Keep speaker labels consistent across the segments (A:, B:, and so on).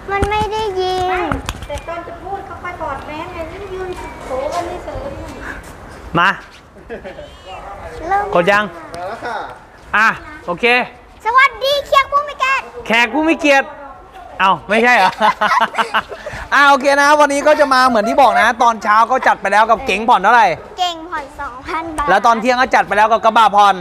A: มันไม่ได้ยิง
B: แต่ตอนจะพูดเขาไปถอดแมสไงนี่ยืนโผล่กันนี่เสย
C: มา กดยัง
D: มาแล้วค่ะ
C: อ่ะโอเค
A: สวัสดีแขกผู้มีเกียรติ
C: แขกผู้มีเกียรติเอ้าไม่ใช่เหรอ โอเคนะวันนี้ก็จะมาเหมือนที่บอกนะ ตอนเช้าก็จัดไปแล้วกับเก๋งผ่อนเท่าไหร่
A: เก่งผ่อน 2,000 บาท
C: แล้วตอนเที่ยงก็จัดไปแล้วกับกระบะผ่อน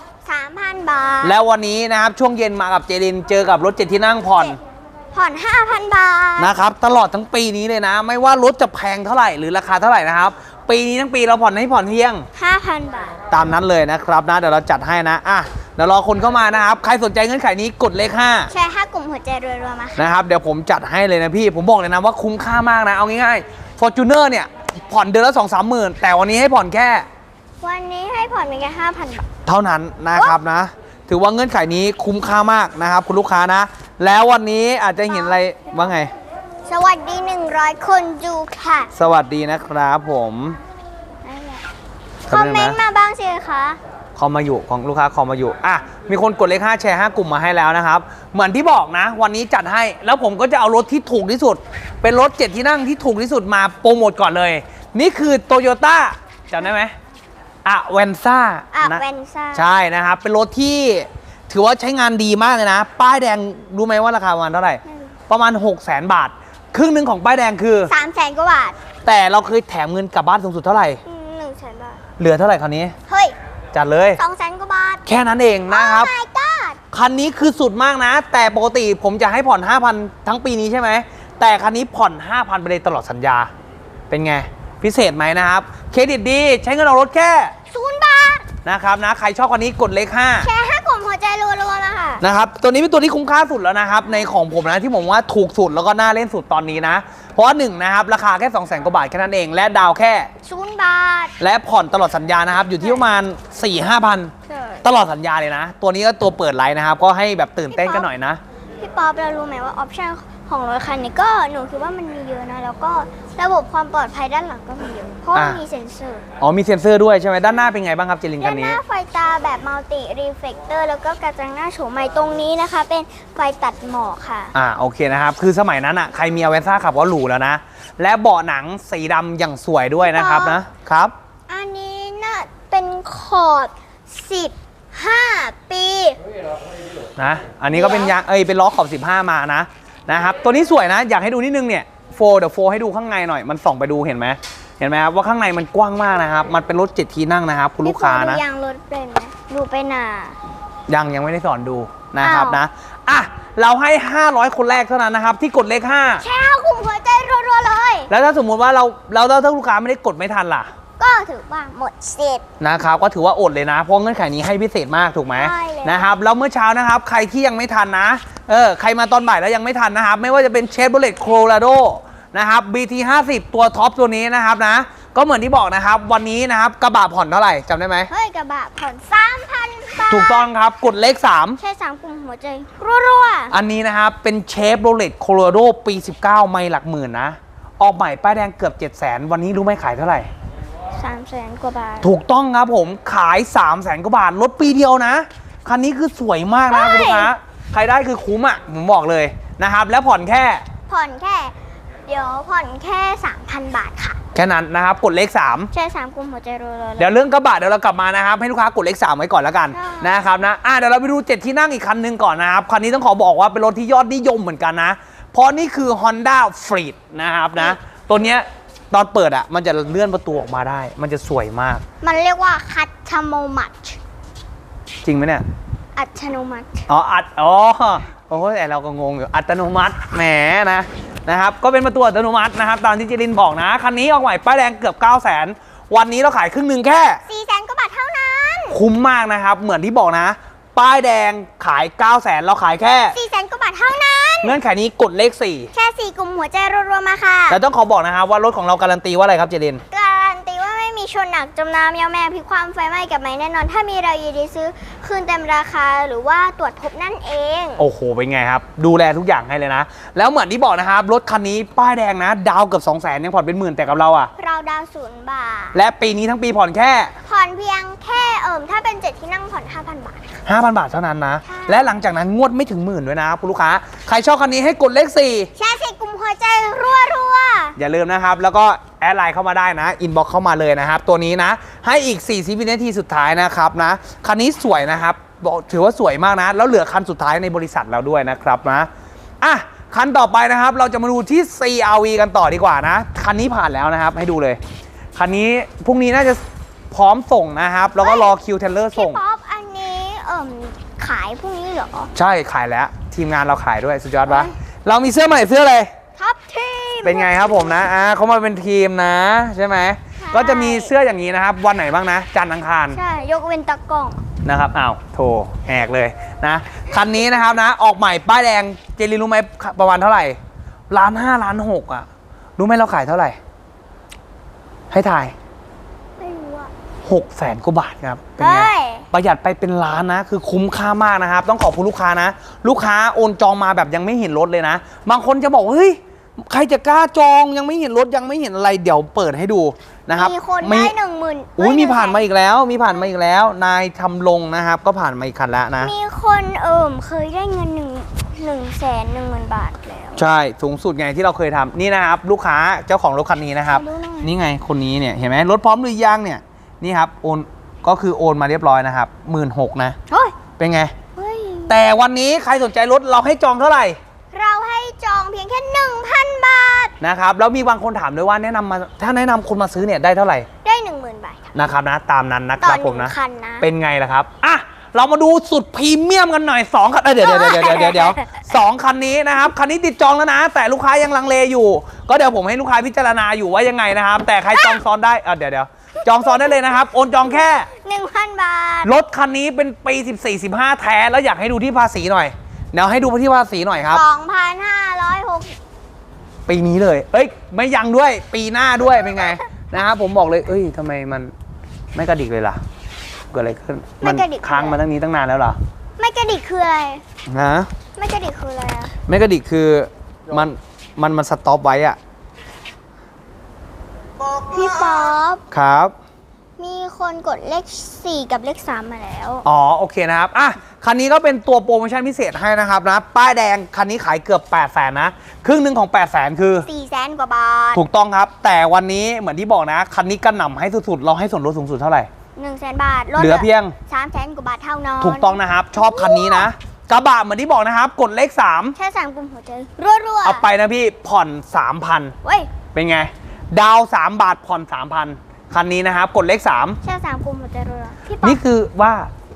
A: 3,000 บาท
C: แล้ววันนี้นะครับช่วงเย็นมากับเจรินเจอกับรถ7ที่นั่งผ่อน
A: ผ่อน 5,000 บาท
C: นะครับตลอดทั้งปีนี้เลยนะ ไม่ว่ารถจะแพงเท่าไหร่หรือราคาเท่าไหร่นะครับปีนี้ทั้งปีเราผ่อนให้ผ่อนเที่ยง
A: 5,000 บาท
C: ตามนั้นเลยนะครับนะเดี๋ยวเราจัดให้นะอ่ะเดี๋ยวรอคนเข้ามานะครับใครสนใจเงื่อนไขนี้กดเลข
A: แชร์5กลุ่มหัวใจรัวๆมาค่ะ
C: 5นะครับเดี๋ยวผมจัดให้เลยนะพี่ผมบอกเลยนะว่าคุ้มค่ามากนะเอาง่ายๆ Fortuner เนี่ยผ่อนเดือนละ 2-3 หมื่นแต่วันนี้ให้ผ่อนแค่
A: วันนี้ให้ผ่อนเพียงแค่ 5,000 บาท
C: เท่านั้นนะครับนะถือว่าเงื่อนไขนี้คุ้มค่ามากนะครับคุณลูกค้านะแล้ววันนี้อาจจะเห็นอะไรว่าไง
A: สวัสดี 100 คนดูค่ะ
C: สวัสดีนะครับผม
A: คอมเมนต์มาบ้างสิคะ
C: คอมมาอยู่ของลูกค้าคอมมาอยู่อ่ะมีคนกดเลข5แชร์5กลุ่มมาให้แล้วนะครับเหมือนที่บอกนะ วันนี้จัดให้แล้วผมก็จะเอารถที่ถูกที่สุด เป็นรถ7ที่นั่งที่ถูกที่สุดมาโปรโมทก่อนเลย นี่คือ Toyota จำได้ไหมเวนซ่า
A: เวนซ่า
C: ใช่นะครับเป็นรถที่ถือว่าใช้งานดีมากเลยนะป้ายแดงรู้ไหมว่าราคาประมาณเท่าไหร่ประมาณ 600,000 บาทครึ่งหนึ่งของป้ายแดงคือ
A: 300,000 กว่าบาท
C: แต่เราเคยแถมเงินกลับบ้านสูงสุดเท่าไหร่
A: 100,000 บาท
C: เหลือเท่าไหร่คราวนี้
A: เฮ้ย
C: จัดเลย
A: 200,000 กว่าบาท
C: แค่นั้นเองนะครับ
A: Oh my god
C: คันนี้คือสุดมากนะ แต่ปกติผมจะให้ผ่อน 5,000 ทั้งปีนี้ใช่ไหมแต่คันนี้ผ่อน 5,000 ไปเลยตลอดสัญญาเป็นไงพิเศษไหมนะครับเครดิตดีใช้เงินออกรถแค่
A: 0 บาท
C: นะครับนะใครชอบคันนี้กดเลข
A: แชร์5กลุ่มหัวใจรัวๆมาค่ะ
C: 5นะครับตัวนี้เป็นตัวที่คุ้มค่าสุดแล้วนะครับในของผมนะที่ผมว่าถูกสุดแล้วก็น่าเล่นสุดตอนนี้นะเพราะว่า1นะครับราคาแค่ 200,000 กว่าบาทแค่นั้นเองและดาวแค่
A: 0 บาท
C: และผ่อนตลอดสัญญานะครับอยู่ที่ประมาณ 4-5,000 ตลอดสัญญาเลยนะ ตัวนี้ก็ตัวเปิดไลน์นะครับก็ให้แบบตื่นเต้นกันหน่อยนะ
A: พี่ป๊อปเรารู้ไหมว่าออปชั่นของรถคันนี้ก็หนูคิดว่ามันมีเยอะนะ แล้วก็ระบบความปลอดภัยด้านหลังก็มีเยอะ เพราะว่ามีเซ็นเซอร์
C: อ๋อมีเซ็นเซอร์ด้วยใช่ไหมด้านหน้าเป็นไงบ้างครับเจลินคั
A: ด้าน นห
C: นี้
A: น้าไฟตาแบบมัลติรีเฟลคเตอร์แล้วก็กระจังหน้าโฉมใหม่ตรงนี้นะคะ เป็นไฟตัดหมอกค่ะ
C: โอเคนะครับคือสมัยนั้นอ่ะใครมีอเวนซ่าขับก็หรูแล้วนะและเบาะหนังสีดำอย่างสวยด้วยนะครับนะครับ
A: อันนี้น่ะเป็นขอบ15 ปี
C: นะอันนี้ก็เป็นยางเป็นล้อขอบ15มานะครับตัวนี้สวยนะอยากให้ดูนิดนึงเนี่ยเดี๋ยวให้ดูข้างในหน่อยมันส่องไปดูเห็นไหมครับว่าข้างในมันกว้างมากนะครับมันเป็นรถ7ที่นั่งนะครับคุณลูกค้านะ
A: ดูยางรถเป็นไหมดูไปหนา
C: ยังไม่ได้สอนดูนะครับนะอ่ะเราให้500คนแรกเท่านั้นนะครับที่กดเลข5
A: แชร์กลุ่มหัวใจรัวๆเลย
C: แล้วถ้าสมมุติว่าถ้าลูกค้าไม่ได้กดไม่ทันล่ะ
A: ก็ถือว่าหมดสิทธิ์
C: นะครับก็ถือว่าอดเลยนะเพราะเงื่อนไขนี้ให้พิเศษมากถูกไหม
A: ใช่เลย
C: นะครับแล้วเมื่อเช้านะครับใครที่ยังไม่ทันนะใครมาตอนบ่ายแล้วยังไม่ทันนะครับไม่ว่าจะเป็นเชฟโรเลตโคโลราโดนะครับ BT 50ตัวท็อปตัวนี้นะครับนะก็เหมือนที่บอกนะครับวันนี้นะครับกระบะผ่อนเท่าไหร่จำได้ไหม
A: เฮ้ยกระบะผ่อน 3,000 บาท
C: ถูกต้องครับกดเลข3
A: ใช่3กลุ่มหัวใจรัว
C: อันนี้นะครับเป็นเชฟโรเลตโคโลราโดปี 19ไม่หลักหมื่นนะออกใหม่ป้ายแดงเกือบ 700,000 วันนี้รู้ไหมขายเท่าไหร่
A: 300,000 กว่าบาท
C: ถูกต้องครับผมขาย 300,000 กว่าบาทลดปีเดียวนะคันนี้คือสวยมากนะคุณลูกค้าใครได้คือคุ้มอ่ะผมบอกเลยนะครับแล้วผ่อนแค่
A: ผ่อนแค่ เดี๋ยวผ่อนแค่ 3,000 บาทค่ะ
C: แค่นั้นนะครับกดเลข3
A: ใช่3กลุ่มหัวใจรัวๆ
C: เดี๋ยวเรื่องกระบะเดี๋ยวเรากลับมานะครับให้ลูกค้ากดเลข3ไว้ก่อนแล้วกันนะครับนะเดี๋ยวเราไปดู7ที่นั่งอีกคันหนึงก่อนนะครับคันนี้ต้องขอบอกว่าเป็นรถที่ยอดนิยมเหมือนกันนะเพราะนี่คือ Honda Freed นะครับนะตัวเนี้ยตอนเปิดอ่ะมันจะเลื่อนประตูออกมาได้มันจะสวยมาก
A: มันเรียกว่าคัตชโมมัต
C: จริงไหมเนี่ย
A: อัตโนมัติ
C: โอ้ยแต่เราก็งงอยู่อัตโนมัติแหมนะครับก็เป็นประตูอัตโนมัตินะครับตามที่เจรินบอกนะคันนี้ออกใหม่ป้ายแดงเกือบ 900,000 วันนี้เราขายครึ่งหนึ่งแค่
A: 400,000 กว่าบาทเท่านั้น
C: คุ้มมากนะครับเหมือนที่บอกนะป้ายแดงขาย 900,000 เราขายแค่
A: 400,000 กว่าบาทเท่านั้น
C: เงื่อนไขนี้กดเลข
A: แค่4กลุ่มหัวใจรัวๆมาค่ะ
C: 4แล้วต้องขอบอกนะครับว่ารถของเราการันตีว่าอะไรครับเจริน
A: การันตีว่าไม่มีชนหนักจมน้ำยาวแม่พลิกความไฟไหม้กับไหมแน่นอน ถ้ามีเรายินดีซื้อคืนเต็มราคาหรือว่าตรวจพบนั่นเอง
C: โอ้โห เป็นไงครับ ดูแลทุกอย่างให้เลยนะ แล้วเหมือนที่บอกนะครับ รถคันนี้ป้ายแดงนะ ดาวเกือบ 200,000ยังผ่อนเป็นหมื่นแต่กับเราอะ
A: เราดาว0 บาท
C: และปีนี้ทั้งปีผ่อนแค่
A: ผ่อนเพียงแค่ถ้าเป็น7ที่นั่งผ่อน 5,000 บาท
C: 5,000 บาทเท่านั้นนะ
A: ใช่
C: และหลังจากนั้นงวดไม่ถึงหมื่นด้วยนะคุณลูกค้า ใครชอบคันนี้ให้กดเลข 4
A: แชร์สิกลุ่มหัวใจรัว
C: อย่าลืมนะครับ แล้วก็แอดไลน์เข้ามาได้นะ อินบ็อกเข้ามาเลยนะครับ ตัวนี้นะ ให้อีก40วินาทีสุดท้ายนะครับนะ คันนี้สวยนะครับบอกถือว่าสวยมากนะ แล้วเหลือคันสุดท้ายในบริษัทเราด้วยนะครับนะ อ่ะ คันต่อไปนะครับ เราจะมาดูที่ CR-V กันต่อดีกว่านะ คันนี้ผ่านแล้วนะครับ ให้ดูเลย คันนี้พรุ่งนี้น่าจะพร้อมส่งนะครับ แล้วก็รอคิวเทเลอร์
A: ๆ
C: ส่
A: พี่
C: ง
A: ป๊อปอันนี้ขายพรุ่งนี้เหรอ
C: ใช่ขายแล้ว ทีมงานเราขายด้วยสุดยอดปะเรามีเสื้อใหม่เสื้ออะไร
A: ท็อปทีม
C: เป็นไงครับผมนะเขามาเป็นทีมนะใช่ไหม
A: ใช่
C: ก็จะมีเสื้ออย่างนี้นะครับ วันไหนบ้างนะ จันทร์อังคาร
A: ใช่ยกเว้นตะกล้อง
C: นะครับอ้าวโถแหกเลยนะ คันนี้นะครับนะ ออกใหม่ป้ายแดง เจลินรู้ไหมประมาณเท่าไหร่1.5 ล้าน6อ่ะ รู้ไหมเราขายเท่าไหร่ ให้ถ่าย
A: ไม่รู้อะ
C: 600,000 กว่าบาทครับ เป็นไง
A: เฮ้ย
C: ประหยัดไปเป็นล้านนะ คือคุ้มค่ามากนะครับ ต้องขอบคุณลูกค้านะ ลูกค้าโอนจองมาแบบยังไม่เห็นรถเลยนะ บางคนจะบอกว่าเฮ้ยใครจะกล้าจองยังไม่เห็นรถยังไม่เห็นอะไรเดี๋ยวเปิดให้ดูนะครับ
A: มีคนได้10,000
C: อุ้ยมีผ่านมาอีกแล้ว มีผ่านมาอีกแล้ว นายทำลงนะครับ ก็ผ่านมาอีกคันแล้วนะ
A: มีคนเคยได้เงิน110,000 บาทแล้ว
C: ใช่สูงสุดไงที่เราเคยทำนี่นะครับ ลูกค้าเจ้าของรถคันนี้นะครับ
A: ขอดูหน่อย
C: นี่ไงคนนี้เนี่ยเห็นไหมรถพร้อมหรือยังเนี่ยนี่ครับโอนก็คือโอนมาเรียบร้อยนะครับ16,000นะ
A: เฮ้ย
C: เป็นไง
A: เฮ้ย
C: แต่วันนี้ใครสนใจรถเราให้จองเท่าไหร่
A: เราให้จองเพียงแค่ 1,000 บาท
C: นะครับแล้วมีบางคนถามด้วยว่าแนะนำมาถ้าแนะนำคนมาซื้อเนี่ยได้เท่าไหร่
A: ได้ 10,000 บาทค่ะ
C: นะครับนะตามนั้นนะค
A: ต่อ
C: รับผม
A: 1
C: นะ
A: คันนะ
C: เป็นไงล่ะครับอ่ะเรามาดูสุดพรีเมียมกันหน่อย2คันเดี๋ยว2คันนี้นะครับคันนี้ติดจองแล้วนะ แต่ลูกค้ายังลังเลอยู่ ก็เดี๋ยวผมให้ลูกค้าพิจารณาอยู่ว่ายังไงนะครับ แต่ใครจองซ้อนได้เดี๋ยวจองซ้อนได้เลยนะครับโอนจองแค่
A: 1,000 บาท
C: รถคันนี้เป็นปี 14-15 แท้แล้วอยากให้ดูที่ภาษีหน่อยเดี๋ยวให้ดูที่ภาษีหน่อยครับ
A: 2,560
C: ปีนี้เลย เอ้ย ไม่ยังด้วย ปีหน้าด้วย เป็นไง นะครับผมบอกเลย เอ้ยทำไมมันไม่กระดิกเลยล่ะ เกิดอะไรขึ้น
A: ไม่กระดิก
C: ค้างมาตั้งนี้ตั้งนานแล้วเหรอ
A: ไม่กระดิกคืออะไร
C: ฮะ
A: ไม่กระดิกคืออะไรอะ
C: ไม่กระดิกคือมันสต็อปไว้อะ
A: พี่ป๊อป
C: ครับ
A: มีคนกดเลข 4 กับเลข 3 มาแล้ว
C: อ๋อ โอเคนะครับ อ่ะ คันนี้ก็เป็นตัวโปรโมชั่นพิเศษให้นะครับนะ ป้ายแดง คันนี้ขายเกือบ 800,000 นะ ครึ่งหนึ่งของ 800,000 คือ
A: 400,000 กว่าบาท
C: ถูกต้องครับ แต่วันนี้เหมือนที่บอกนะ คันนี้กระหน่ำให้สุดๆ เราให้ส่วนลดสูงสุดเท่าไหร่
A: 100,000 บาทลด
C: เหลือเพียง
A: 300,000 กว่าบาทเท่านั้น
C: ถูกต้องนะครับ ชอบคันนี้นะ กระบะเหมือนที่บอกนะครับ กดเลข 3
A: แค่3 กลุ่มหัวใจรัวๆ
C: เอาไปนะพี่ผ่อน 3,000
A: เว้ย
C: เป็นไง ดาว 3 บาทผ่อน 3,000 คันนี้นะครับ กดเลข
A: แค่3 กลุ่มหัวใจรัวๆพี่
C: 3
A: ป๊อ
C: นี่
A: ป
C: คือว่า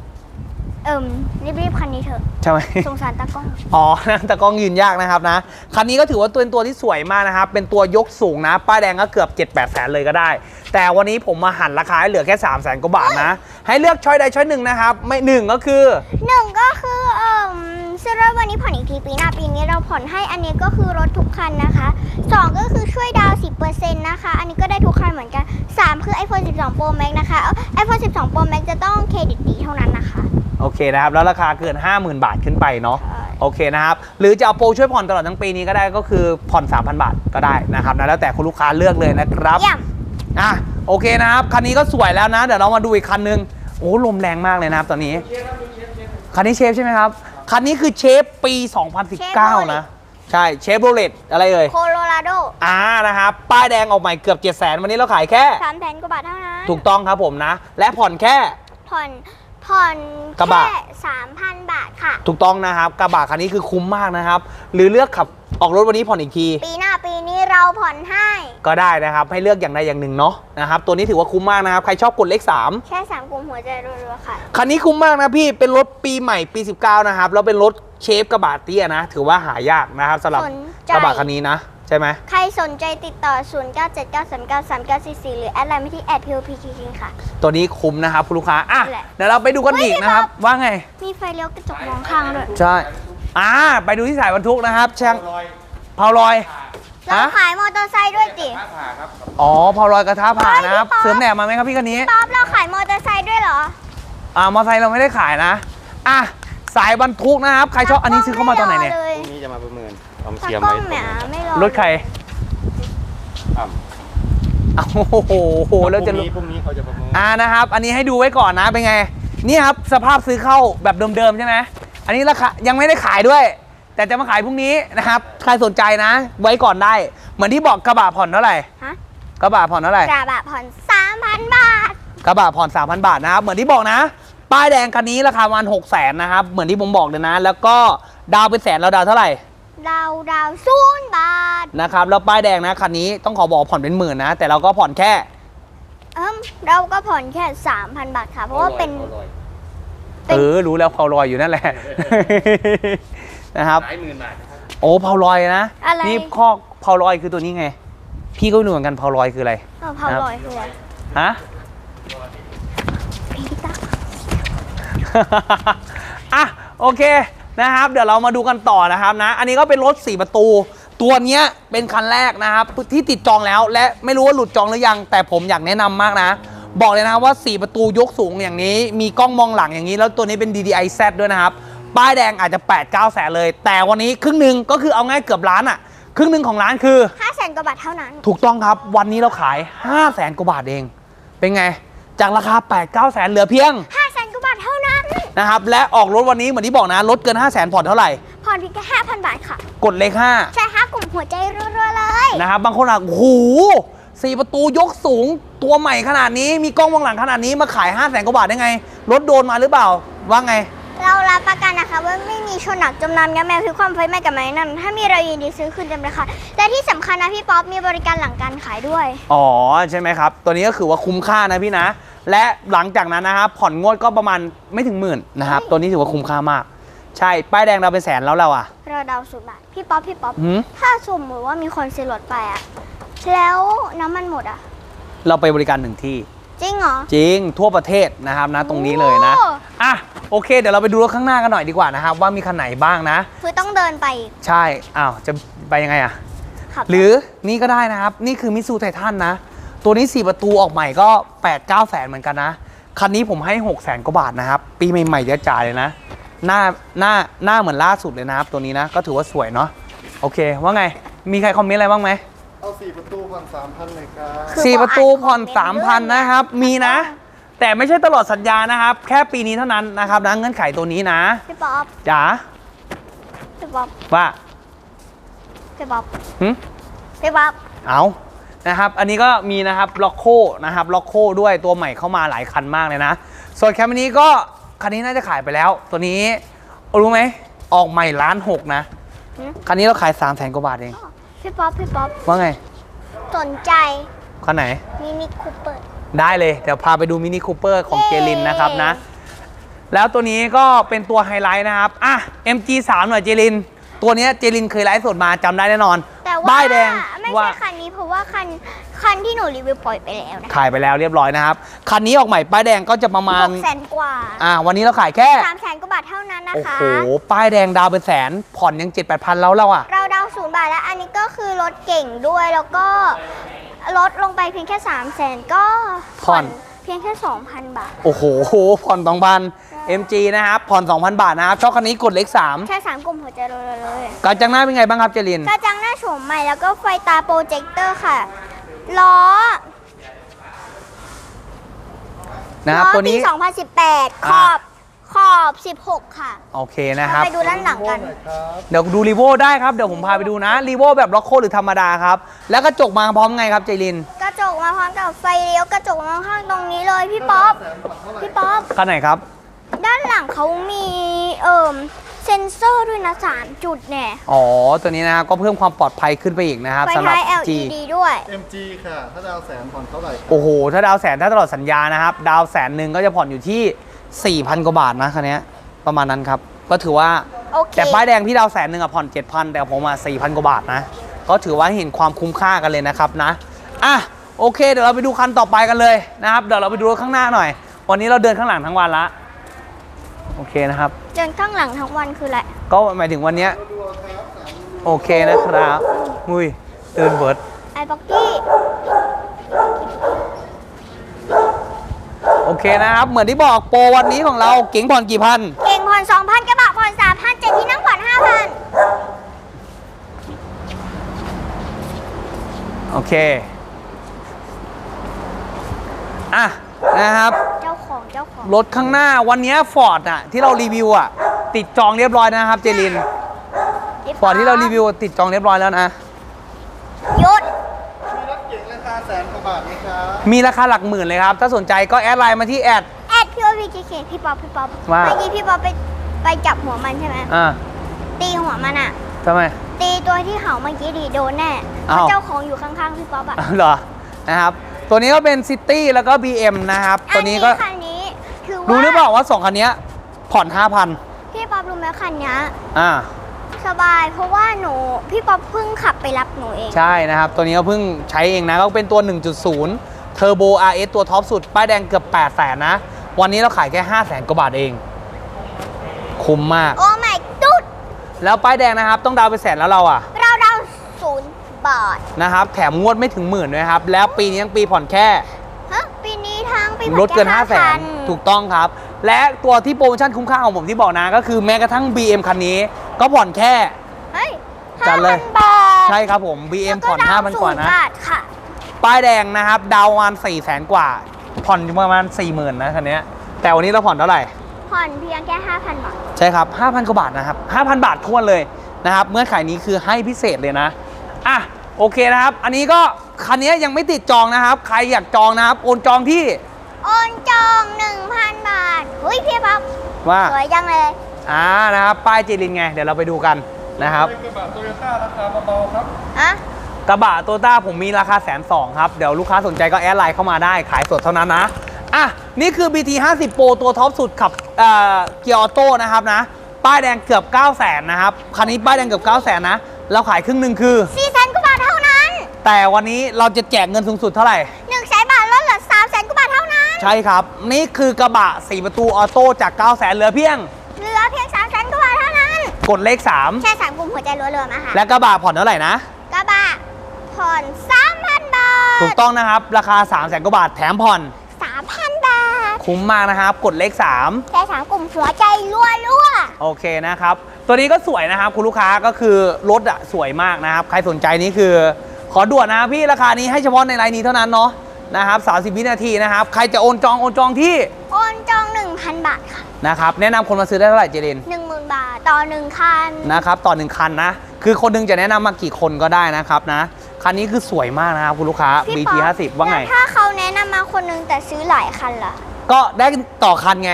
A: รีบๆคันนี้เถอะ
C: ใช่ไหม
A: สงสารตากล้อง
C: อ๋อ แต่กล้องยืนยากนะครับนะ คันนี้ก็ถือว่าเป็นตัวที่สวยมากนะครับ เป็นตัวยกสูงนะ ป้ายแดงก็เกือบ 7-8 แสนเลยก็ได้ แต่วันนี้ผมมาหันราคาให้เหลือแค่ 300,000 กว่าบาทนะ ให้เลือกช้อยใดช้อยหนึ่งนะครับ ไม่หนึ่งก็คือ
A: 1 ก็คือซื้อรถวันนี้ผ่อนอีกทีปีหน้าปีนี้เราผ่อนให้อันนี้ก็คือรถทุกคันนะคะ 2 ก็คือช่วยดาว 10% นะคะ อันนี้ก็ได้ทุกคันเหมือนกัน 3 คือ iPhone 12 Pro Max นะคะ iPhone 12 Pro Max จะต้องเครดิตดีเท่านั้นนะคะ
C: โอเคนะครับ แล้วราคาเกิน 50,000 บาทขึ้นไปเนาะ
A: ใช่
C: โอเคนะครับ หรือจะเอาโปรช่วยผ่อนตลอดทั้งปีนี้ก็ได้ก็คือผ่อน 3,000 บาทก็ได้นะครับนะแล้วแต่คุณลูกค้าเลือกเลยนะครับ
A: เยี่ยม
C: อ่ะโอเคนะครับ คันนี้ก็สวยแล้วนะ เดี๋ยวเรามาดูอีกคันนึง โอ้ลมแรงมากเลยนะครับตอนนี้ คันนี้เชฟใช่ไหมครับ คันนี้คือเชฟปี 2019 นะ ใช่เชฟโรเลตอะไรเอ่ย
A: โคโลราโด
C: นะครับป้ายแดงออกใหม่เกือบ 700,000 วันนี้เราขายแค่
A: 300,000 กว่าบาทเท่านั้น
C: ถูกต้องครับผมนะ และผ่อนแค่
A: ผ่อน
C: กระบะ
A: แค่ 3,000 บาทค่ะ
C: ถูกต้องนะครับกระบะคันนี้คือคุ้มมากนะครับ หรือเลือกขับออกรถวันนี้ผ่อนอีกที
A: ปีหน้าปีนี้เราผ่อนให้
C: ก็ได้นะครับ ให้เลือกอย่างใดอย่างหนึ่งเนาะนะครับ ตัวนี้ถือว่าคุ้มมากนะครับ ใครชอบกดเลข 3
A: แค่ 3 กลุ่มหัวใจรัวๆค่ะ
C: คันนี้คุ้มมากนะพี่ เป็นรถปีใหม่ปี 19 นะครับ แล้วเป็นรถเชฟกระบะเตี้ยนะ ถือว่าหายากนะครับสำหรับ
A: สนใจ
C: กระบะคันนี้นะ ใช่ไหม
A: ใครสนใจติดต่อ 0979393944 หรือแอดไลน์มาที่ @POPKK ค่ะ
C: ตัวนี้คุ้มนะครับคุณลูกค้า อ่ะ
A: แหละ
C: เดี๋ยวเราไปดูกันอีกนะครับ ว่าไง
A: มีไฟเลี้ยวกระจกมองข้างด้วย
C: ใช่ ไปดูที่สายบรรทุกนะครับช่างเผาลอย
A: เรา
C: ฮะ
A: ขายมอเตอร์ไซค์ด้วยจิ
C: อ๋อเผาลอยกระทะผ่านะครับ
A: เฮ้ยพี่ป๊อป
C: เสริมแหนบมาไหมครับพี่คันนี้
A: ป๊อปเราขายมอเตอร์ไซค์ด้วยเหรอ
C: มอไซค์เราไม่ได้ขายนะอ่ะสายบรรทุกนะครับใครชอบอันนี้ซื้อเข้ามาตอนไหนเนี่ย
B: พรุ่งนี้จะมาประเมินเอามา
A: ตา
B: เทียม
A: กล้อ
B: ไว้
A: งเนี่ยไม่รอ
C: รถใคร
B: อ่ะ
C: อ้าวโอ้โหแล้วจะ
B: พรุ่งนี้เขาจะประเมิน
C: นะครับ อันนี้ให้ดูไว้ก่อนนะเป็นไงนี่ครับสภาพซื้อเข้าแบบเดิมๆใช่ไหมอันนี้ราคายังไม่ได้ขายด้วย แต่จะมาขายพรุ่งนี้นะครับใครสนใจนะ ไว้ก่อนได้เหมือนที่บอกกระบะผ่อนเท่าไหร่
A: ฮะ
C: กระบะผ่อนเท่าไหร่
A: กระบะผ่อน 3,000 บาท
C: กระบะผ่อน 3,000 บาทนะครับเหมือนที่บอกนะป้ายแดงคันนี้ราคาประมาณ600,000นะครับเหมือนที่ผมบอกเลยนะ แล้วก็ดาวเป็นแสนเราดาวเท่าไหร่
A: ดาว0 บาท
C: นะครับแล้วป้ายแดงนะคันนี้ต้องขอบอกผ่อนเป็นหมื่นนะแต่เราก็ผ่อนแค่
A: เราก็ผ่อนแค่ 3,000 บาทค่ะ เพราะว่าเป็น เป็น
C: รู้แล้วเผาลอยอยู่นั่นแหละ นะครับ
B: หลายหมื่นบาทนะครับ
C: โอ้เผาลอยนะ
A: อะไร
C: นี่ข้อเผาลอยคือตัวนี้ไง พี่ก็ไม่รู้เหมือนกันเผาลอยคืออะไร
A: เผาลอยคืออะไร
C: ฮะ
A: พี่ตั๊ก
C: อ่ะโอเคนะครับ เดี๋ยวเรามาดูกันต่อนะครับนะ อันนี้ก็เป็นรถ4ประตู ตัวเนี้ยเป็นคันแรกนะครับที่ติดจองแล้ว และไม่รู้ว่าหลุดจองหรือยัง แต่ผมอยากแนะนำมากนะ บอกเลยนะครับว่า4ประตูยกสูงอย่างนี้ มีกล้องมองหลังอย่างนี้แล้วตัวนี้เป็น DDI Z ด้วยนะครับป้ายแดงอาจจะ 8-9 แสนเลย แต่วันนี้ครึ่งหนึ่งก็คือเอาง่ายเกือบล้านอ่ะครึ่งหนึ่งของร้านคือ
A: 500,000 กว่าบาทเท่านั้น
C: ถูกต้องครับวันนี้เราขาย 500,000 กว่าบาทเอง เป็นไง จากราคา 8-9 แสนเหลือเพียง
A: 500,000 กว่าบาทเท่านั้น
C: นะครับและออกรถวันนี้เหมือนที่บอกนะรถเกิน 500,000 ผ่อนเท่าไหร่
A: ผ่อนเพียงแค่ 5,000 บาทค่ะ
C: กดเลข
A: ใช่ค่ะกลุ่มหัวใจรัวๆเลย
C: 5นะครับบางคนอ่ะโอ้โห4ประตูยกสูงตัวใหม่ขนาดนี้มีกล้องมองหลังขนาดนี้มาขาย 500,000 กว่าบาทได้ไงรถโดนมาหรือเปล่าว่าไง
A: เรารับประกันนะคะว่าไม่มีชนหนักจมน้ำยับแมวคือความไฟไหม้กับไม้นั่นถ้ามีเรายินดีซื้อคืนเต็มราคาและที่สำคัญนะพี่ป๊อปมีบริการหลังการขายด้วย
C: อ๋อใช่ไหมครับ ตัวนี้ก็คือว่าคุ้มค่านะพี่นะ และหลังจากนั้นนะครับผ่อนงวดก็ประมาณไม่ถึงหมื่นนะครับตัวนี้ถือว่าคุ้มค่ามาก ใช่ป้ายแดงเราเป็นแสนแล้วเราอ่ะ
A: เราเดาสูตรบาทพี่ป๊อป
C: หืม
A: ถ้าสมมติว่ามีคนซื้อรถไปอะแล้วน้ำมันหมดอะ
C: เราไปบริการหนึ่งที่
A: จริงเหรอ
C: จริงทั่วประเทศนะครับนะตรงนี้เลยนะ
A: โอ้
C: อ่ะโอเค เดี๋ยวเราไปดูรถข้างหน้ากันหน่อยดีกว่านะครับว่ามีคันไหนบ้างนะ
A: คือต้องเดินไปอีก
C: ใช่อ้าวจะไปยังไงอ่ะ
A: ขับ
C: หรือนี่ก็ได้นะครับ นี่คือมิซูไททันนะ ตัวนี้ 4 ประตูออกใหม่ก็ 8-9 แสนเหมือนกันนะ คันนี้ผมให้ 6 แสนกว่าบาทนะครับ ปีใหม่ๆจะจ่ายเลยนะ หน้าเหมือนล่าสุดเลยนะครับ ตัวนี้นะ ก็ถือว่าสวยเนาะโอเค ว่าไงมีใครคอมเมนต์อะไรบ้างไหม
D: เอา4ประตูผ่อน3,000เลยครับ
A: คือ
C: สี่ประตูผ่อน
A: คอมเมนต์
C: 3,000 นะครับ มีนะ แต่ไม่ใช่ตลอดสัญญานะครับ แค่ปีนี้เท่านั้นนะครับนะเงื่อนไขตัวนี้นะ
A: พี่ป๊อป
C: จ๋า
A: พี่ป๊อป
C: ว่า
A: พี่ป๊อป
C: หึ
A: พี่ป๊อป
C: เอานะครับอันนี้ก็มีนะครับล็อกโคนะครับล็อกโคด้วยตัวใหม่เข้ามาหลายคันมากเลยนะ ส่วนแคมนี้ก็คันนี้น่าจะขายไปแล้ว ตัวนี้รู้ไหมออกใหม่1,600,000นะคันนี้เราขาย 300,000 กว่าบาทเอง
A: พี่ป๊อป
C: ว่าไง
A: สนใจ
C: คันไหน
A: มินิคูเปอร์
C: ได้เลยเดี๋ยวพาไปดูมินิคูเปอร์ของ
A: เย้
C: เจลินนะครับนะแล้วตัวนี้ก็เป็นตัวไฮไลท์นะครับอ่ะ MG3 หน่อยเจลินตัวนี้เจลินเคยไลฟ์สดมาจำได้แน่นอน
A: แต่ว่า
C: ป้ายแดง
A: ไม่
C: ว่า
A: ใช่คันนี้เพราะว่าคันที่หนูรีวิวปล่อยไปแล้วนะ
C: ขายไปแล้วเรียบร้อยนะครับคันนี้ออกใหม่ป้ายแดงก็จะประมาณ
A: 600,000 กว่า
C: วันนี้เราขายแค่
A: 300,000 กว่าบาทเท่านั้นนะ
C: โอ้
A: คะ
C: โห ป้ายแดงดาวเป็นแสน ผ่อนยัง 7-8,000แล้วอ่ะ
A: เราเดา0 บาทแล้วอันนี้ก็คือรถเก่งด้วยแล้วก็ลดลงไปเพียงแค่ 300,000 ก็
C: ผ่อน
A: เพียงแค่ 2,000 บาท
C: โอ้โห ผ่อน 2,000 MG นะครับ ผ่อน 2,000 บาทนะครับชอบคันนี้กดเลข
A: แค่ 3 กลุ่มหัวใจเลย
C: 3กระจังหน้าเป็นไงบ้างครับเจริน
A: กระจังหน้าโฉมใหม่แล้วก็ไฟตาโปรเจคเตอร์ค่ะล้อ
C: นะครับ
A: ล้อ
C: ตัว
A: ปี
C: นี้
A: 2018 ขอบ 16 ค่ะ
C: โอเคนะครับ
A: ไปดูด้านหลังกัน
C: เดี๋ยวดูรีโวได้ครับ เดี๋ยวผมพาไปดูนะรีโวแบบล็อกโคหรือธรรมดาครับ แล้วกระจกมาพร้อมไงครับเจริน
A: กระจกมาพร้อมกับไฟเลี้ยวกระจกมาข้างตรงนี้เลยพี่ป๊อป
C: คันไหนครับ
A: ด้านหลังเขามีเซ็นเซอร์ด้วยนะ3 จุดเนี่ย
C: อ๋อ ตัวนี้นะครับก็เพิ่มความปลอดภัยขึ้นไปอีกนะครับ
A: ไฟ
C: สำหรับ
A: ท้าย
C: G
A: LED ด้วย
D: MG ค่ะ ถ้าดาวแสนผ่อนเท่าไหร่
C: โอ้โห ถ้าดาวแสนถ้าตลอดสัญญานะครับ ดาว100,000ก็จะผ่อนอยู่ที่ 4,000 กว่าบาทนะคันนี้ประมาณนั้นครับ ก็ถือว่า
A: โอเค
C: แต่ป้ายแดงพี่ดาว100,000ผ่อน 7,000 แต่ผม4,000 กว่าบาทนะ ก็ถือว่าเห็นความคุ้มค่ากันเลยนะครับนะอ่ะโอเค เดี๋ยวเราไปดูคันต่อไปกันเลยนะครับ เดี๋ยวเราไปดูรถข้างหน้าหน่อย วันนี้เราเดินข้างหลังทั้งวันละโอเคนะครับ
A: เดินข้างหลังทั้งวันคืออะไร
C: ก็หมายถึงวันเนี้ยโอเคนะครับอุ้ยตื่นเบิร์ด
A: ไอ้บ็อกกี้
C: โโอเคนะครับ เหมือนที่บอกโปรวันนี้ของเราเก๋งผ่อนกี่พัน
A: เก่งผ่อน 2,000 กระบะผ่อน 3,000 7 ที่นั่งผ่อน 5,000
C: โอเคอ่ะนะครับ
A: เจ้าของ
C: รถข้างหน้าวันนี้ฟอร์ดอะที่เรารีวิวอะติดจองเรียบร้อยนะครับเจลินฟอร์ดที่เรารีวิวติดจองเรียบร้อยแล้วนะ
A: หยุด
D: มีรถเก๋งราคาแสนกว่าบาทไหมครับ
C: มีราคาหลักหมื่นเลยครับ ถ้าสนใจก็แอดไลน์มาที่แอด
A: พี่โอพีจีเคพี่ป๊อป
C: ว่า
A: เมื่อกี้พี่ป๊อปไปจับหัวมันใช่ไหม ตีหัวมันอะ
C: ทำไม
A: ตีตัวที่เห่าเมื่อกี้ดีโดนแน่เพ
C: อ้าว
A: ราะเจ้าของอยู่ข้างๆพี่ป๊อปอะ
C: เหรอนะครับ ตัวนี้ก็เป็นซิตี้แล้วก็ BM นะครับ ตัวนี้ก็
A: คันนี้ถือว่า
C: รู้หรือเปล่าว่า 2 คันนี้ผ่อน 5,000
A: พี่ป๊อปรู้ไหมคันนี้
C: อ่า
A: สบายเพราะว่าพี่ป๊อปเพิ่งขับไปรับหนูเอง
C: ใช่นะครับ ตัวนี้ก็เพิ่งใช้เองนะ ก็เป็นตัว 1.0 Turbo RS ตัวท็อปสุด ป้ายแดงเกือบ 800,000 นะ วันนี้เราขายแค่ 500,000 กว่าบาทเอง คุ้มมาก
A: โอ้ไม่ตุ๊ด
C: แล้วป้ายแดงนะครับ ต้องดาวน์ไป100,000แล้วเราอ่ะ
A: เรา0 บาท
C: นะครับ แถมงวดไม่ถึงหมื่นด้วยครับ แล้วปีนี้ยังปีผ่อนแค่
A: ฮะปีนี้ทั้งปี
C: ลดเกิน
A: ผ่อแค่
C: 500,000 ถูกต้องครับ และตัวที่โปรโมชั่นคุ้มค่าของผมที่บอกนะ ก็คือแม้กระทั่ง BM คันนี้ ก็ผ่อนแค่
A: เฮ้ย
C: จัดเลย
A: 5,000 บาท
C: ใช่ครับผม BM ผ่อน 5,000 กว่านะ
A: 0 บาทค่ะ
C: ป้ายแดงนะครับ ดาวน์ประมาณ 400,000 กว่า ผ่อนอยู่ประมาณ 40,000 นะคันนี้ แต่วันนี้เราผ่อนเท่าไหร่
A: ผ่อนเพียงแค่ 5,000 บาท
C: ใช่ครับ 5,000 กว่าบาทนะครับ 5,000 บาททวนเลยนะครับ เมื่อขายนี้คือให้พิเศษเลยนะ อ่ะ โอเคนะครับ อันนี้ก็คันนี้ยังไม่ติดจองนะครับ ใครอยากจองนะครับ โอนจองที่
A: โอนจอง 1,000 บาทเฮ้ยพี่ป๊อป
C: ว่า
A: สวยจังเลย
C: นะครับ ป้ายเจลินไง เดี๋ยวเราไปดูกันนะครับ
D: เป็นกระบะโตโยต้าราคาเบาๆครับ
A: อะ
C: กระบะโตต้าผมมีราคา120,000 ครับ เดี๋ยวลูกค้าสนใจก็แอดไลน์เข้ามาได้ ขายสดเท่านั้นนะ อ่ะ นี่คือ BT 50 Pro ตัวท็อปสุดขับเกียร์ออโต้นะครับนะ ป้ายแดงเกือบ 900,000 นะครับ คันนี้ป้ายแดงเกือบ 900,000 นะ เราขายครึ่งหนึ่งคือ
A: 400,000 กว่าบาทเท่านั้น
C: แต่วันนี้เราจะแจกเงินสูงสุดเท่าไหร่
A: 100,000 บาทลดเหลือ 300,000 กว่าบาทเท่านั้น
C: ใช่ครับ นี่คือกระบะ 4 ประตูออโต้จาก 900,000 เหลือเพียง
A: เหลือเพียง 300,000 กว่าบาทเท่านั้น
C: กดเลข
A: แค่3กลุ่มหัวใจรัวๆมาค่ะ
C: 3 และกระบะผ่อนเท่าไหร่นะ
A: กระบะผ่อน 3,000 บาท
C: ถูกต้องนะครับ ราคา 300,000 กว่าบาทแถมผ่อน
A: 3,000 บาท
C: คุ้มมากนะครับ กดเลข 3
A: แค่3กลุ่มหัวใจรัว
C: โอเคนะครับ ตัวนี้ก็สวยนะครับ คุณลูกค้าก็คือรถอะสวยมากนะครับ ใครสนใจนี่คือ ขอด่วนนะพี่ราคานี้ให้เฉพาะในไลน์นี้เท่านั้นเนาะนะครับ30 วินาทีนะครับ ใครจะโอนจองที่
A: ๆโอนจอง 1,000 บาทค่ะ
C: นะครับ แนะนำคนมาซื้อได้เท่าไหร่เจริน
A: 10,000 บาทต่อ 1 คัน
C: นะครับ ต่อ 1 คันนะ คือคนหนึงจะแนะนำมากี่คนก็ได้นะครับนะ คันนี้คือสวยมากนะครับคุณลูกค้า
A: พี่
C: BT
A: ป๊อป
C: 50 ว่าไง
A: แล้วถ้าเขาแนะนำมาคนนึงแต่ซื้อหลายคันล่ะ
C: ก็ได้ต่อคันไง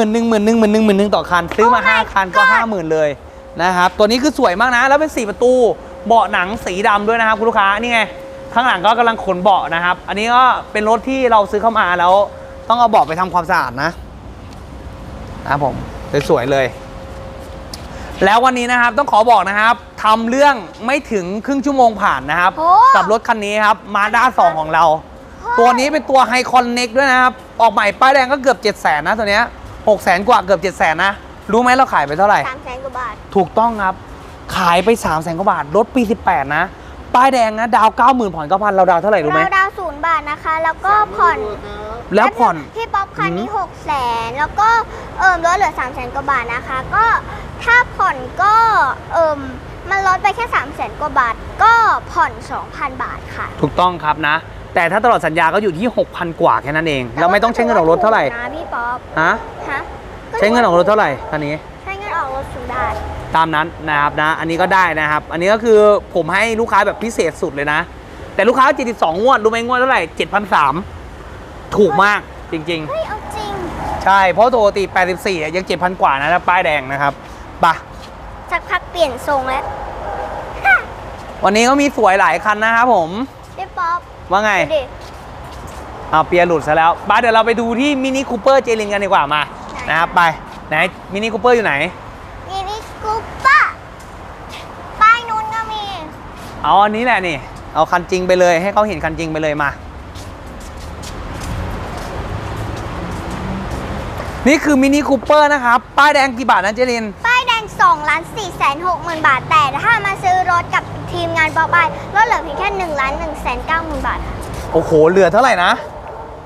C: 10,000ต่อคัน ซื้อมา
A: Oh my
C: 5 คันก็
A: God
C: 50,000 เลยนะครับ ตัวนี้คือสวยมากนะ แล้วเป็น 4 ประตู เบาะหนังสีดำด้วยนะครับคุณลูกค้า นี่ไง ข้างหลังก็กำลังขนเบาะนะครับ อันนี้ก็เป็นรถที่เราซื้อเข้ามาแล้ว ต้องเอาเบาะไปทำความสะอาดนะครับผมสวยๆเลย แล้ววันนี้นะครับต้องขอบอกนะครับทำเรื่องไม่ถึงครึ่งชั่วโมงผ่านนะครับ
A: โอ้
C: กับรถคันนี้ครับมาด้า2ของเรา ตัวนี้เป็นตัวไฮคอนเน็กด้วยนะครับ ออกใหม่ป้ายแดงก็เกือบ 700,000 นะตัวเนี้ย600,000 กว่าเกือบ 700,000 นะ รู้ไหมเราขายไปเท่าไหร่
A: 300,000 กว่าบาท
C: ถูกต้องครับ ขายไป 300,000 กว่าบาท รถปี 18 นะ ป้ายแดงนะ ดาว 90,000 ผ่อน 9,000 เราดาวเท่าไหร่รู้ไหม
A: เราดาว0 บาทนะคะ แล้วก็ผ่อน
C: แล้วผ่อน
A: พี่ป๊อปคันนี้600,000แล้วก็ลดเหลือ300,000 กว่าบาทนะคะ ก็ถ้าผ่อนก็มันลดไปแค่300,000 กว่าบาท ก็ผ่อน 2,000 บาทค่ะ
C: ถูกต้องครับนะ แต่ถ้าตลอดสัญญาก็อยู่ที่ 6,000 กว่าแค่นั้นเอง เราไม่ต้องใช้เงินออกรถเท่าไหร่
A: นะพี่ป๊อป
C: ฮะ
A: ฮะ
C: ใช้เงินออกรถเท่าไหร่คันนี้
A: ใช้เงินออกรถ0 บาท
C: ตามนั้นนะครับนะ อันนี้ก็ได้นะครับ อันนี้ก็คือผมให้ลูกค้าแบบพิเศษสุดเลยนะ แต่ลูกค้า72งวดรู้ไหมงวดเท่าไหร่ 7,300 ถูกมากจริง
A: เฮ้ย เอาจริง
C: ๆ ใช่ เพราะปกติ84ยัง 7,000 กว่านะป้ายแดงนะครับไปะ
A: สักพักเปลี่ยนทรงแล้ว
C: วันนี้ก็มีสวยหลายคันนะครับผม
A: พี่ป๊อป
C: ว่าไง
A: ดูดิ
C: เอาเปียร์หลุดซะแล้วบ้าเดี๋ยวเราไปดูที่มินิคูเปอร์เจลินกันดีกว่ามา
A: ไหน
C: นะครับไปไหนมินิคูเปอร์อยู่ไหน
A: มินิคูเปอร์ป้ายนู้นก็มี
C: เอาอันนี้แหละนี่ เอาคันจริงไปเลยให้เขาเห็นคันจริงไปเลยมา นี่คือมินิคูเปอร์นะครับ ป้ายแดงกี่บาทนะเจลิน
A: ป้ายแดง2,460,000 บาท แต่ถ้ามาซื้อรถกับทีมงานป๊อปอายลดเหลือเพียงแค่1,190,000 บาท
C: โอ้โห เหลือเท่าไหร่นะ
A: เหลือ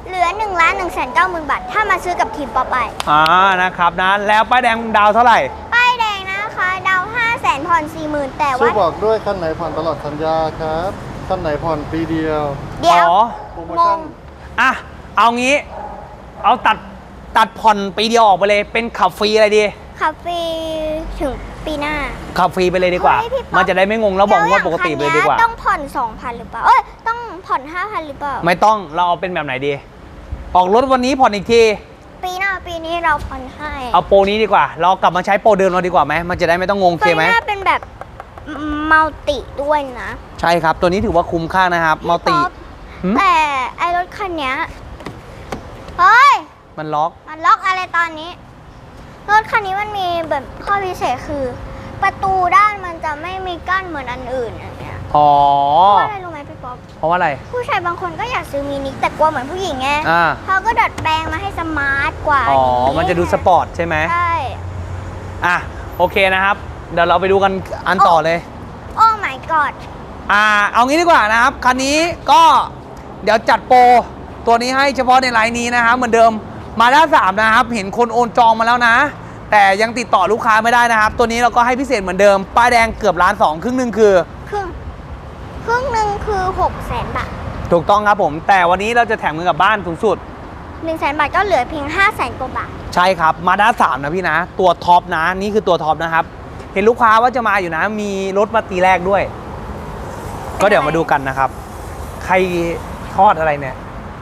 A: 1,190,000 บาท ถ้ามาซื้อกับทีมป๊อปไอ
C: นะครับนะแล้วป้ายแดงดาวเท่าไหร่
A: ป้ายแดงนะคะดาว500,000ผ่อน40,000แต่
D: ช่วย
A: ว่า
D: บอกด้วยคันไหนผ่อนตลอดสัญญาครับคันไหนผ่อนปีเดียว
A: เดี๋ยว
C: อ๋อ
D: โปรโม
A: ง
D: ชั่น
A: ง
C: อ่ะเอางี้เอาตัดผ่อนปีเดียวออกไปเลยเป็นขับฟรีอะไรดี
A: ขับฟรีถึงปีหน้า
C: ขับฟรีไปเลยดีกว่า
A: เฮ้ยพี่ป๊อป
C: มันจะได้ไม่งงแล้วบอกว่าปกติไปเลยดีกว่า
A: ต้องผ่อน 2,000 หรือเปล่า เอ้ย ต้องผ่อน 5,000 หรือเปล่า
C: ไม่ต้องเราเอาเป็นแบบไหนดี ออกรถวันนี้ผ่อนอีกที
A: ปีหน้าปีนี้เราผ่อนให้
C: เอาโปรนี้ดีกว่า เรากลับมาใช้โปรเดิมเราดีกว่าไหมมันจะได้ไม่ต้องงงโอเคไหม
A: ปีหน้าเป็นแบบมัลติด้วยนะ
C: ใช่ครับตัวนี้ถือว่าคุ้มค่านะครับมัลติ
A: พี่ป๊อป
C: หืม
A: แต่ไอรถคันเนี้ยเฮ้ย
C: มันล็อก
A: มันล็อกอะไรตอนนี้ รถคันนี้มันมีแบบข้อพิเศษคือ ประตูด้านมันจะไม่มีกั้นเหมือนอันอื่นอย่างเงี้ย
C: อ๋อ
A: เพราะว่าอะไรรู้ไหมพี่ป๊อป
C: เพราะว่าอะไร
A: ผู้ชายบางคนก็อยากซื้อมินิแต่กลัวเหมือนผู้หญิงไง
C: อ่า
A: เขาก็ดัดแปลงมาให้สมาร์ทกว่า
C: อ๋อมันจะดูสปอร์ตใช่ไหม
A: ใช่
C: อ่ะโอเคนะครับเดี๋ยวเราไปดูกันอันต่อเลย
A: โอ้ my god
C: เอางี้ดีกว่านะครับคันนี้ก็เดี๋ยวจัดโปรตัวนี้ให้เฉพาะในไลน์นี้นะครับเหมือนเดิมมาด้า3นะครับเห็นคนโอนจองมาแล้วนะ แต่ยังติดต่อลูกค้าไม่ได้นะครับ ตัวนี้เราก็ให้พิเศษเหมือนเดิมป้ายแดงเกือบ1,200,000ครึ่งหนึ่งคือ
A: ครึ่งหนึ่งคือ600,000 บาท
C: ถูกต้องครับผม แต่วันนี้เราจะแถมเงินกลับบ้านสูงสุด
A: 100,000 บาทก็เหลือเพียง500,000 กว่าบาท
C: ใช่ครับมาด้า3นะพี่นะ ตัวท็อปนะนี่คือตัวท็อปนะครับเห็นลูกค้าว่าจะมาอยู่นะ มีรถมาตีแรกด้วย ก็เดี๋ยวมาดูกันนะครับ ใครทอดอะไรเนี่ย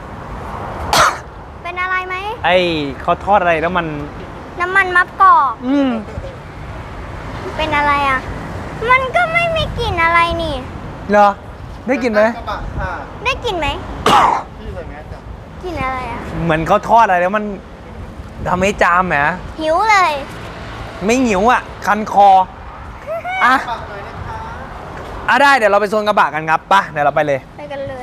A: เป็นอะไรไหม
C: ไอ้เขาทอดอะไรแล้วมัน
A: น้ำมันมะกอก เป็นอะไรอ่ะ มันก็ไม่มีกลิ่นอะไรนี่
C: เหรอได้กลินไหม
D: กระบะค่ะ
A: ได้กลิ่นไหม
D: พี่ใส่แมสจ้ะ
A: กลิ่นอะไรอ่ะ
C: เหมือนเขาทอดอะไรแล้วมันทำให้จามแหม
A: หิวเลย
C: ไม่หิวอ่ะ คันคออ่ะ
D: ฝากหน่อยนะคะ
C: ได้เดี๋ยวเราไปโซนกระบะกันครับไป่ะเดี๋ยวเราไปเลย
A: ไปกันเลย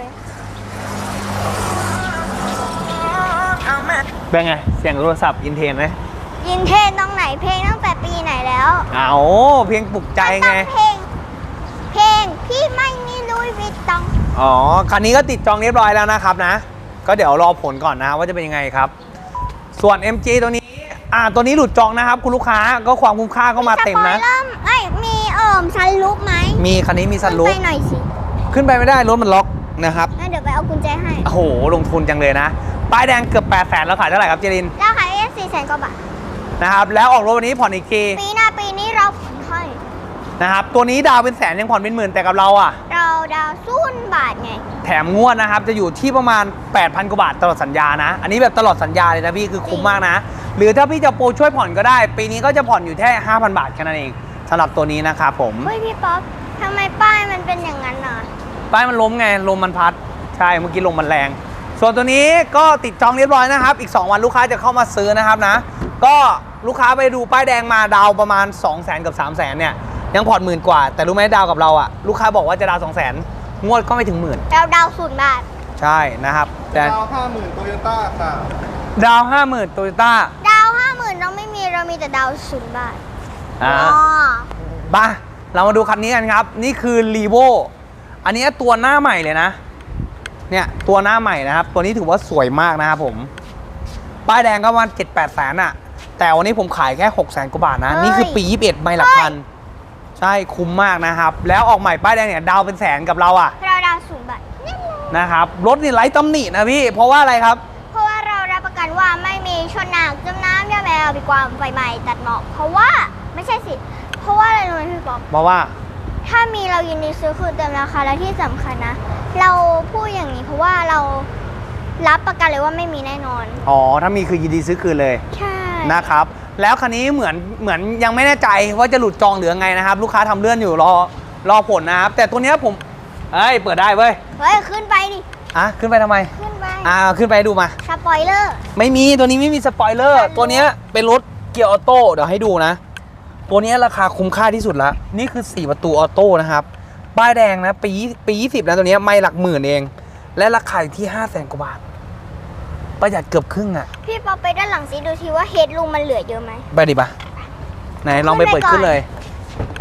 C: เป็นไงเสียงโทรศัพท์อินเทนไหม
A: ยินเทศตรงไหนเพลงตั้งแต่ปีไหนแล้ว
C: เอาเพียงปลุกใจไง
A: มันต้องเพลงพี่ไม่มีลุยวิตตอง
C: อ๋อ คันนี้ก็ติดจองเรียบร้อยแล้วนะครับนะ ก็เดี๋ยวรอผลก่อนนะว่าจะเป็นยังไงครับ ส่วน MG ตัวนี้ ตัวนี้หลุดจองนะครับ คุณลูกค้าก็ความคุ้มค่าก็มาเต็มนะ
A: สปอยเลอร์เอ้ยมีซันลุกไหม
C: มีคันนี้มีซันรูฟ
A: ขึ้ไปหน่อยสิ
C: ขึ้นไปไม่ได้รถมันล็อกนะครับ
A: งั้นเดี๋ยวไปเอากุญแจให้
C: โอ้โห ลงทุนจังเลยนะ ป้ายแดงเกือบ800,000แล้วขายเท่าไหร่ครับเจริน
A: เราขายได้400,000 กว่าบาท
C: นะครับ แล้วออกรถวันนี้ผ่อนอีกที
A: ปีหน้าปีนี้เราผ่อนให้
C: นะครับ ตัวนี้ดาวเป็นแสนยังผ่อนเป็นหมื่นแต่กับเราอ่ะ
A: เราดาว0 บาทไง
C: แถมงวดนะครับ จะอยู่ที่ประมาณ 8,000 กว่าบาทตลอดสัญญานะ อันนี้แบบตลอดสัญญาเลยนะพี่คือคุ้มมากนะ หรือถ้าพี่จะโปรช่วยผ่อนก็ได้ ปีนี้ก็จะผ่อนอยู่แค่ 5,000 บาทแค่นั้นเองสำหรับตัวนี้นะครับผม
A: เฮ้ยพี่ป๊อปทำไมป้ายมันเป็นอย่างนั้นน่ะ
C: ป้ายมันล้มไง ลมมันพัด ใช่ เมื่อกี้ลมมันแรง ส่วนตัวนี้ก็ติดจองเรียบร้อยนะครับ อีก 2 วันลูกค้าจะเข้ามาซื้อนะครับนะ ก็ลูกค้าไปดูป้ายแดงมาดาวประมาณ 200,000 กับ 300,000 เนี่ย ยังผ่อนหมื่นกว่า แต่รู้ไหมดาวกับเราอะลูกค้าบอกว่าจะดาว 200,000 งวดก็ไม่ถึงหมื่น
A: เราดาว0 บาท
C: ใช่นะครับแต่
D: ดาว50,000โตโยต้าค่ะ
C: ดาว 50,000โตโยต้า
A: ดาว 50,000เราไม่มีเรามีแต่ดาว0 บาท
C: บ้าเรามาดูคันนี้กันครับ นี่คือ r ีโวอันนี้ตัวหน้าใหม่เลยนะ เนี่ยตัวหน้าใหม่นะครับ ตัวนี้ถือว่าสวยมากนะครับผม ป้ายแดงก็ประมาณ 7-8 แสนอะแต่วันนี้ผมขายแค่ 600,000 กว่าบาทนะ นี่คือปี 21ไม่หลักพัน ใช่คุ้มมากนะครับ แล้วออกใหม่ป้ายแดงเนี่ยดาวเป็นแสนกับเราอะ
A: เราดาว0 บาทแน่นอน
C: นะครับ รถนี่ไร้ตำหนินะพี่ เพราะว่าอะไรครับ
A: เพราะว่าเรารับประกันว่าไม่มีชนหนักจมน้ำยาแมวปีความไฟไหม้ตัดหมอกเพราะว่าไม่ใช่สิ เพราะว่าอะไรรู้ไหมพี่ป๊อป
C: เพราะว่า
A: ถ้ามีเรายินดีซื้อคืนเต็มราคาและที่สำคัญนะ เราพูดอย่างนี้เพราะว่าเรารับประกันเลยว่าไม่มีแน่นอน
C: อ๋อ ถ้ามีคือยินดีซื้อคืนเลย
A: ใช่
C: นะครับ แล้วคันนี้เหมือนยังไม่แน่ใจว่าจะหลุดจองหรือไงนะครับ ลูกค้าทำเลื่อนอยู่รอผลนะครับ แต่ตัวเนี้ยผมเปิดได้เว้ย
A: เฮ้ยขึ้นไปดิ
C: ขึ้นไปทำไม
A: ขึ้นไป
C: ขึ้นไปดูมา
A: สปอยเลอร์
C: ไม่มีตัวนี้ไม่มีสปอยเลอร์ตัวเนี้ยเป็นรถเกียร์ออโต้เดี๋ยวให้ดูนะ ตัวเนี้ยราคาคุ้มค่าที่สุดละนี่คือ4ประตูออโต้นะครับป้ายแดงนะปี20นะตัวเนี้ยไม่หลักหมื่นเอง และราคาอยู่ที่500,000 กว่าบาทประหยัดเกือบครึ่งอ่ะ
A: พี่ป๊อปไปด้านหลังสิดูทีว่าเฮดรูมมันเหลือเยอะไหม
C: ไปดิปะไหนลองไปเปิดขึ้นเลย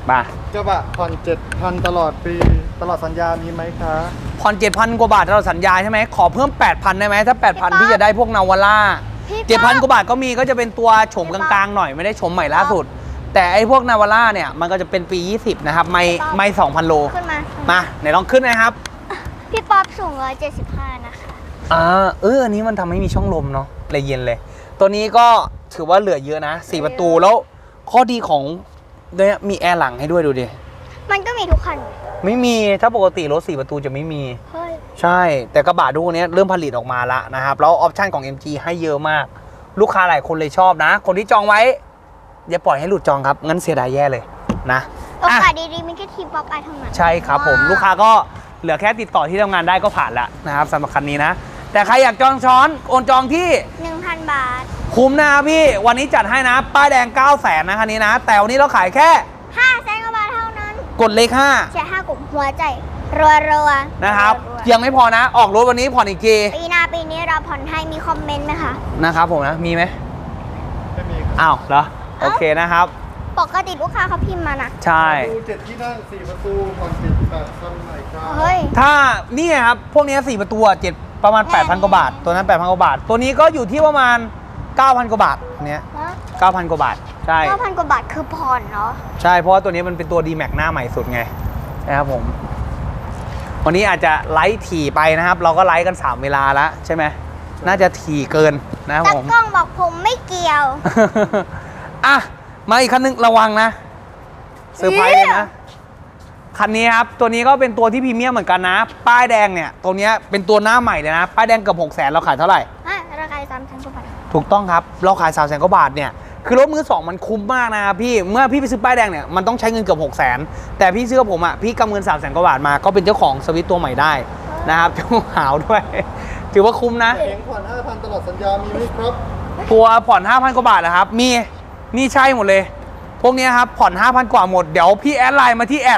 C: มา
D: กระบะผ่อน7,000ตลอดปีตลอดสัญญามีไหมคะ
C: ผ่อน 7,000 กว่าบาทเราสัญญาใช่ไหมขอเพิ่ม 8,000 ได้ไหมถ้า 8,000 พี่จะได้พวกนาวาร่า
A: พี่ป๊อป
C: 7,000 กว่าบาทก็มีก็จะเป็นตัวโฉมกลางๆหน่อยไม่ได้โฉมใหม่ล่าสุด แต่ไอ้พวกนาวาร่าเนี่ยมันก็จะเป็นปี 20 นะครับไม่ 2,000 โล
A: ขึ้นมา
C: มาไหนลองขึ้นนะครับ
A: พี่ป๊อปสูง175นะคะ
C: อันนี้มันทำให้มีช่องลมเนาะเลยเย็นเลย ตัวนี้ก็ถือว่าเหลือเยอะนะ 4 ประตูแล้วข้อดีของเนี่ยมีแอร์หลังให้ด้วยดูดิ
A: มันก็มีทุกคัน
C: ไม่มีถ้าปกติรถ 4 ประตูจะไม่มี
A: เฮ้ย
C: ใช่ แต่กระบะดูเนี้ยเริ่มผลิตออกมาแล้วนะครับแล้วออปชั่นของ MG ให้เยอะมาก ลูกค้าหลายคนเลยชอบนะ คนที่จองไว้ อย่าปล่อยให้หลุดจองครับ งั้นเสียดายแย่เลยนะ
A: โอกาสดีๆมีแค่ทีมป๊อปไอเท่านั้น
C: ใช่ครับผมลูกค้าก็เหลือแค่ติดต่อที่ทำงานได้ก็ผ่านแล้วนะครับสำหรับคันนี้นะ แต่ใครอยากจองช้อนโอนจองที่
A: 1,000 บาท
C: คุ้มนะครับพี่วันนี้จัดให้นะ ป้ายแดง 900,000นะคันนี้นะ แต่วันนี้เราขายแค่
A: 500,000 กว่าบาทเท่านั้น
C: กดเลข
A: แชร์5กลุ่มหัวใจรัวๆ
C: 5นะครับ
A: วๆ
C: ยังไม่พอนะ ออกรถวันนี้ผ่อนอีกที
A: ปีหน้าปีนี้เราผ่อนให้มีคอมเมนต์ไหมคะ
C: นะครับผมนะมีไหม
D: ไม่มีครับ
C: อ้าวเหรอโอเคนะครับ
A: ปกติลูกค้าเขาพิมพ์มานะ
C: ใช่
D: ดู7ที่นั่ง4ประตูผ่อน8,000หน่อยครับ
A: เฮ้ย
C: ถ้านี่ไงครับ พวกนี้4 ประตูอะ7ประมาณ 8,000 กว่าบาท ตัวนั้น 8,000 กว่าบาท ตัวนี้ก็อยู่ที่ประมาณ 9,000 กว่าบาทเนี้ย 9,000 กว่าบาท ใช่
A: 9,000 กว่าบาทคือผ่อนเนาะ
C: ใช่ เพราะว่าตัวนี้มันเป็นตัว D-Max หน้าใหม่สุดไงนะครับผม วันนี้อาจจะไลฟ์ถี่ไปนะครับ เราก็ไลฟ์กัน 3 เวลาแล้วใช่ไหม น่าจะถี่เกินนะครับ
A: ตา
C: ผม
A: กล้องบอกผมไม่เกี่ยว
C: อ่ะ มาอีกคันนึงระวังนะเซอร์ไพรส์เลยนะ คันนี้ครับ ตัวนี้ก็เป็นตัวที่พรีเมียมเหมือนกันนะ ป้ายแดงเนี่ย ตัวเนี้ยเป็นตัวหน้าใหม่เลยนะ ป้ายแดงเกือบ600,000เราขายเท่าไหร่
A: ราคา3,000 กว่าบาท
C: ถูกต้องครับ เราขาย 300,000 กว่าบาทเนี่ย คือรถมือสองมันคุ้มมากนะครับพี่ เมื่อพี่ไปซื้อป้ายแดงเนี่ยมันต้องใช้เงินเกือบ600,000แต่พี่ซื้อกับผมอ่ะ พี่กำเงิน300,000 กว่าบาทมา ก็เป็นเจ้าของสวิตตัวใหม่ได้นะครับ เจ้าหาวด้วย ถือว่าคุ้มนะ
D: เองผ่อน 5,000ตลอดสัญญามีไหมครับ
C: ตัวผ่อน 5,000 กว่าบาทนะครับ มี นี่ใช่หมดเลย พวกเนี้ยครับ ผ่อน 5,000 กว่าหมด เดี๋ยวพี่แอดไลน์มาที่แอด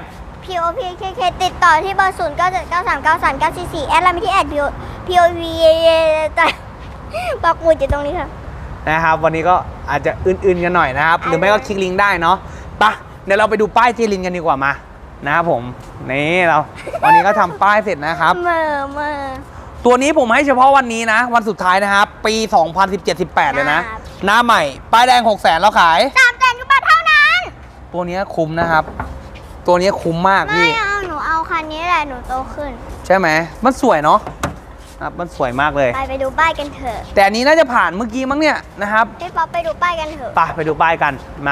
A: POPKK ติดต่อที่เบอร์ 0979393944 แอดไลน์มาที่แอด POP แต่ปักหมุดอยู่ตรงนี้ค่ะ
C: นะครับ วันนี้ก็อาจจะอื่นๆกันหน่อยนะครับ หรือไม่ก็คลิกลิงก์ได้เนาะไปะเดี๋ยวเราไปดูป้ายเจลินกันดีกว่ามา นะครับผม นี่เราวันนี้ก็ทำป้ายเสร็จนะครับ
A: เมื่อ
C: ตัวนี้ผมให้เฉพาะวันนี้นะ วันสุดท้ายนะครับ ปี 2017-18 เลยนะ
A: ครับ
C: หน้าใหม่ ป้ายแดง 600,000แล้วขาย
A: 300,000 กว่าบาทเท่านั้น
C: ตัวนี้คุ้มนะครับ ตัวนี้คุ้มมาก
A: ไม่
C: พี่
A: เอาหนูเอาคันนี้แหละหนูโตขึ้น
C: ใช่ไหม มันสวยเนาะครับมันสวยมากเลย
A: ไปดูป้ายกันเถอะ
C: แต่อันนี้น่าจะผ่านเมื่อกี้มั้งเนี่ยนะครับ
A: พี่ป๊อปไปดูป้ายกันเถอะ
C: ไปดูป้ายกัน มา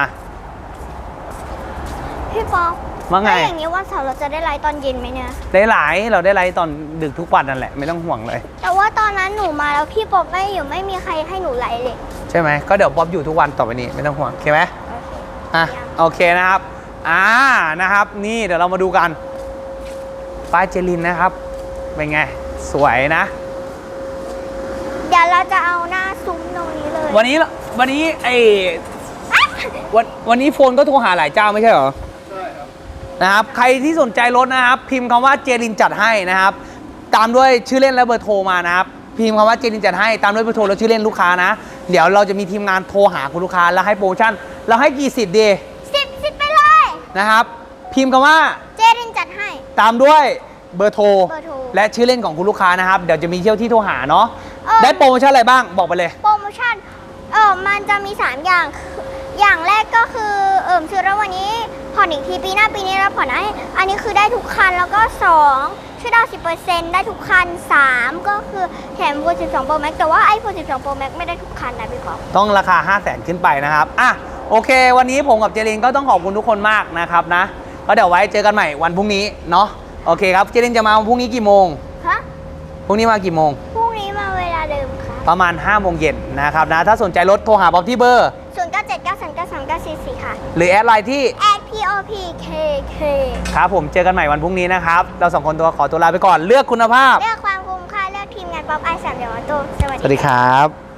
A: พี่ป๊อป
C: ว่าไง
A: ถ้าอย่างนี้วันเสาร์เราจะได้ไลฟ์ตอนเย็นไหมเนี่ย
C: ได้หลายเราได้ไลฟ์ตอนดึกทุกวันนั่นแหละ ไม่ต้องห่วงเลย
A: แต่ว่าตอนนั้นหนูมาแล้วพี่ป๊อปไม่อยู่ไม่มีใครให้หนูไลฟ์เลย
C: ใช่ไหม ก็เดี๋ยวป๊อปอยู่ทุกวันต่อไปนี้ไม่ต้องห่วงโอเคไหมอ่ะโอเคนะครับ นะครับ นี่เดี๋ยวเรามาดูกัน ป้ายเจลินนะครับ เป็นไง สวยนะ
A: เดี๋ยวเราจะเอาหน้าซุ้มตรงนี้เลย
C: วันนี้ไอ้วันนี้โฟนก็โทรหาหลายเจ้าไม่ใช่เหรอ
D: ใช่ครับ
C: นะครับ ใครที่สนใจรถนะครับ พิมพ์คำว่าเจลินจัดให้นะครับ ตามด้วยชื่อเล่นและเบอร์โทรมานะครับ พิมพ์คำว่าเจลินจัดให้ตามด้วยเบอร์โทรและชื่อเล่นลูกค้านะ เดี๋ยวเราจะมีทีมงานโทรหาคุณลูกค้าแล้วให้โปรโมชั่นเราให้กี่สิทธิ์ดี
A: สิบไปเลย
C: นะครับ พิมพ์คำว่า
A: เจรินจัดให้
C: ตามด้วยเบอร์โทร
A: เบอร์โทร
C: และชื่อเล่นของคุณลูกค้านะครับ เดี๋ยวจะมีเที่ยวที่โทรหาเนาะ
A: เออ
C: ได้โปรโมชั่นอะไรบ้างบอกไปเลย
A: โปรโมชั่นมันจะมี 3 อย่างคืออย่างแรกก็คือซื้อแล้ววันนี้ผ่อนอีกทีปีหน้าปีนี้เราผ่อนให้อันนี้คือได้ทุกคันแล้วก็2ช่วยดาว10%ได้ทุกคัน3ก็คือแถม iPhone 12 Pro Max แต่ว่า iPhone 12 Pro Max ไม่ได้ทุกคันนะพี่ป๊อป
C: ต้องราคา 500,000 ขึ้นไปนะครับอ่ะโอเค วันนี้ผมกับเจรินก็ต้องขอบคุณทุกคนมากนะครับนะก็เดี๋ยวไว้เจอกันใหม่วันพรุ่งนี้เนาะโอเคครับเจรินจะมาวันพรุ่งนี้กี่โมง
A: ฮะ
C: พรุ่งนี้มากี่โมง
A: พรุ่งนี้มาเวลาเดิมค่ะ
C: ประมาณ 5 โมงเย็นนะครับนะถ้าสนใจรถโทรหาบ๊อบที่เบอร์
A: 0979393944ค่ะ
C: หรือแอดไลน์ที่
A: @POPKK
C: ครับผมเจอกันใหม่วันพรุ่งนี้นะครับเราสองคนขอตัวลาไปก่อนเลือกคุณภาพ
A: เลือกความคุ้มค่าเลือกทีมงานป๊อปไอ3เดี๋ยวมาโตสวัส
C: สวัส
A: ดี
C: ดีครับ